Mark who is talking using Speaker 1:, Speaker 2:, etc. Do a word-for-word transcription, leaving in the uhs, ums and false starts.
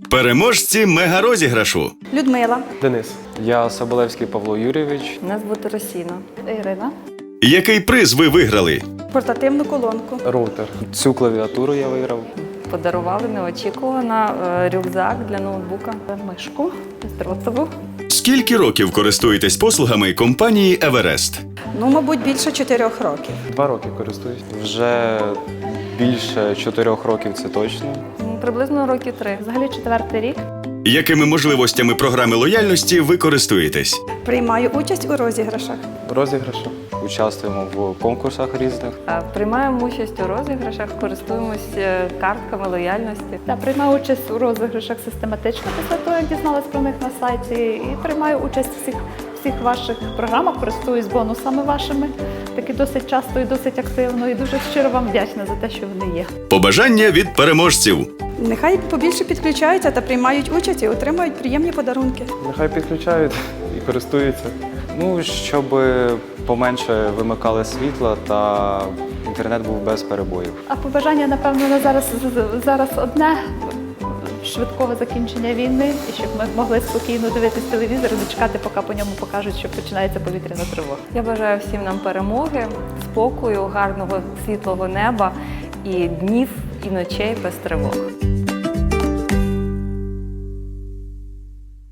Speaker 1: Переможці мегарозіграшу.
Speaker 2: Людмила.
Speaker 3: Денис.
Speaker 4: Я Соболевський Павло Юрійович.
Speaker 5: Нас звати Росіна.
Speaker 2: Ірина.
Speaker 1: Який приз ви виграли?
Speaker 2: Портативну колонку.
Speaker 3: Роутер.
Speaker 4: Цю клавіатуру я виграв.
Speaker 5: Подарували неочікувано е, рюкзак для ноутбука, мишку бездротову.
Speaker 1: Скільки років користуєтесь послугами компанії Еверест?
Speaker 2: Ну, мабуть, більше чотирьох років.
Speaker 3: Два роки користуюсь.
Speaker 4: Вже більше чотирьох років, це точно.
Speaker 5: М, Приблизно роки три.
Speaker 6: Взагалі четвертий рік.
Speaker 1: Якими можливостями програми лояльності ви користуєтесь?
Speaker 2: Приймаю участь у розіграшах.
Speaker 3: Розіграші.
Speaker 4: Участвуємо в конкурсах різних.
Speaker 5: Е, Приймаємо участь у розіграшах, користуємось е, картками лояльності.
Speaker 6: Та приймаю участь у розіграшах систематично після того, як дізналась про них на сайті. І приймаю участь в всіх, всіх ваших програмах, користуюсь бонусами вашими. Таки досить часто і досить активно. І дуже щиро вам вдячна за те, що вони є.
Speaker 1: Побажання від переможців.
Speaker 2: Нехай побільше підключаються та приймають участь і отримують приємні подарунки.
Speaker 3: Нехай підключають і користуються.
Speaker 4: Ну, щоб поменше вимикали світла та інтернет був без перебоїв.
Speaker 6: А побажання, напевно, на зараз, зараз одне – швидкого закінчення війни, і щоб ми могли спокійно дивитись телевізор, не чекати, поки по ньому покажуть, що починається повітряна тривога.
Speaker 5: Я бажаю всім нам перемоги, спокою, гарного світлого неба і днів, і ночей без тривог.